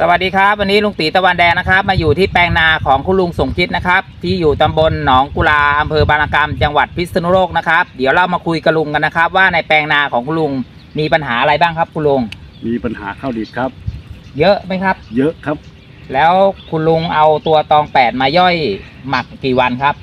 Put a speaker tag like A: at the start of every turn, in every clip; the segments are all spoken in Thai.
A: วัสดีครับวันนี้ลุงตีตะวันแดงนะครับมาอยู่ที่แปลงนาของคุณลุงสมคิดนะครับที่อยู่ตำบลหนองกุลาอำเภอบางระกำจังหวัดพิษณุโลกนะครับเดี๋ยวเรามาคุยกับลุงกันนะครับว่าในแปลงนาของคุณลุงมีปัญหาอะไรบ้างครับคุณลุง
B: มีปัญหาข้าวดีดครับ
A: เยอะไหมครับ
B: เยอะครับ
A: แล้วคุณลุงเอาตัวตอง8มาย่อยหมักกี่วันครับ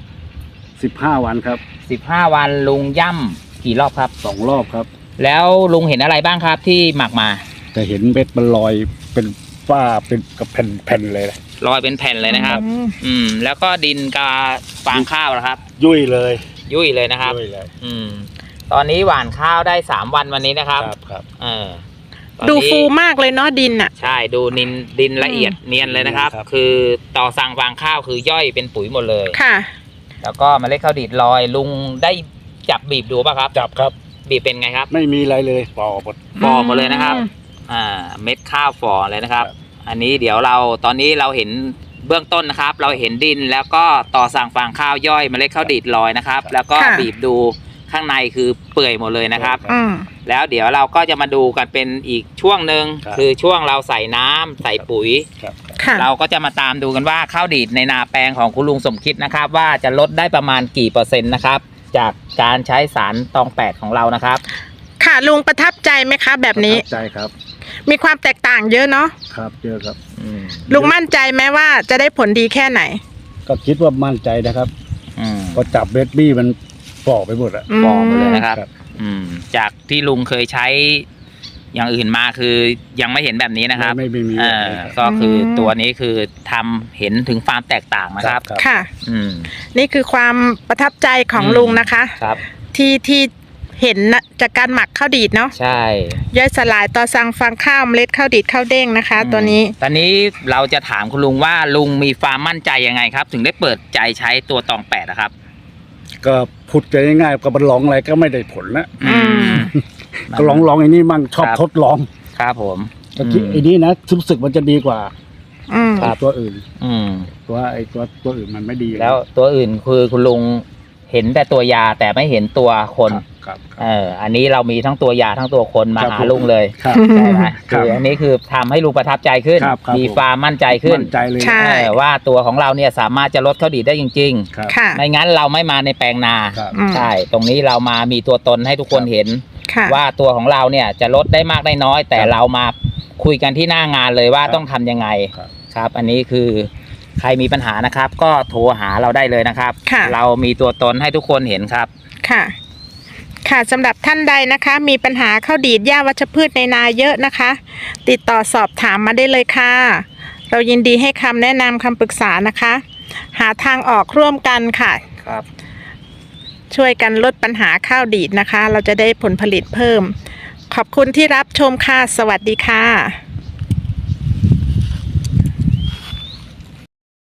B: 15 วันครับ
A: 15 วันลุงย่ำกี่รอบครับ
B: 2 รอบครับ
A: แล้วลุงเห็นอะไรบ้างครับที่หมักมา
B: จะเห็นเม็ดมันลอยเป็นฝ้าเป็นกับแผ่นเลย
A: ลอยเป็นแผ่นเลยนะครับแล้วก็ดินกับฟางข้าวนะครับ
B: ยุ่ยเลย
A: นะครับตอนนี้หว่านข้าวได้3 วันวันนี้นะครับ
B: ครับ
C: ดูฟูมากเลยเนาะดินอ่ะ
A: ใช่ดูดินละเอียดเนียนเลยนะครับคือต่อสั่งฟางข้าวคือย่อยเป็นปุ๋ยหมดเลย
C: ค่ะ
A: แล้วก็เมล็ดข้าวดีดลอยลุงได้จับบีบดูป่ะครับ
B: จับครับ
A: บีบเป็นไงครับ
B: ไม่มีอะไรเลยฝ่อ
A: หมดเลยนะครับเม็ดข้าวฝ่อเลยนะครับอันนี้เดี๋ยวตอนนี้เราเห็นเบื้องต้นนะครับเราเห็นดินแล้วก็ต่อสั่งฟางข้าวย่อยเมล็ดข้าวดีดลอยนะครับแล้วก็บีบดูข้างในคือเปื่อยหมดเลยนะครับแล้วเดี๋ยวเราก็จะมาดูกันเป็นอีกช่วงหนึ่งคือช่วงเราใส่น้ำใส่ปุ๋ยเราก็จะมาตามดูกันว่าข้าวดีดในนาแปลงของคุณลุงสมคิดนะครับว่าจะลดได้ประมาณกี่เปอร์เซ็นต์นะครับจากการใช้สารตอง8ของเรานะครับ
C: ค่ะลุงประทับใจไหมคะแบบนี้
B: ประทับใจครับ
C: มีความแตกต่างเยอะเนาะ
B: ครับเยอะครับ
C: ลุงมั่นใจไหมว่าจะได้ผลดีแค่ไหน
B: ก็คิดว่ามั่นใจนะครับก็จับเบสบี้มันฝ่อไปหมดอะ
A: ฝ่อหมดเลยนะครับจากที่ลุงเคยใช้อย่างอื่นมาคือยังไม่เห็นแบบนี้นะครับ
B: ไม่มี
A: ก็คือตัวนี้คือทำเห็นถึงความแตกต่างนะครับ
C: ค่ะนี่คือความประทับใจของลุงนะคะ
A: ครับ
C: ที่เห็นจากการหมักข้าวดีดเนาะ
A: ใช่
C: ย่อยสลายต่อสั่งฟางข้าวเมล็ดข้าวดีดข้าวเด้งนะคะตัวนี้
A: ตอนนี้เราจะถามคุณลุงว่าลุงมีความมั่นใจยังไงครับถึงได้เปิดใจใช้ตัวตอง8นะครับ
B: ก็พูดง่ายๆกับมันลองอะไรก็ไม่ได้ผลนะก็ลองไอ้นี่มั่งชอบทดลอง
A: ครับผม
B: ก็คิดไอ้นี่นะรู้สึกมันจะดีกว่าตัวอื่นตัวอื่นมันไม่ดี
A: แล้วตัวอื่นคือคุณลุงเห็นแต่ตัวยาแต่ไม่เห็นตัวคนอันนี้เรามีทั้งตัวยาทั้งตัวคนมาหาลุงเลยใช่ไหมคืออันนี้คือทำให้ลุงประทับใจขึ้นมีความมั่นใจขึ้น
C: ใช่
A: ว่าตัวของเราเนี่ยสามารถจะลดข้าวดีดได้จริงๆไม่งั้นเราไม่มาในแปลงนาใช่ตรงนี้เรามามีตัวตนให้ทุกคนเห็นว่าตัวของเราเนี่ยจะลดได้มากได้น้อยแต่เรามาคุยกันที่หน้างานเลยว่าต้องทำยังไงครับอันนี้คือใครมีปัญหานะครับก็โทรหาเราได้เลยนะครับเรามีตัวตนให้ทุกคนเห็นครับ
C: ค่ะสำหรับท่านใดนะคะมีปัญหาข้าวดีดหญ้าวัชพืชในนาเยอะนะคะติดต่อสอบถามมาได้เลยค่ะเรายินดีให้คำแนะนำคำปรึกษานะคะหาทางออกร่วมกันค่ะ
A: ครับ
C: ช่วยกันลดปัญหาข้าวดีดนะคะเราจะได้ผลผลิตเพิ่มขอบคุณที่รับชมค่ะสวัสดีค่ะ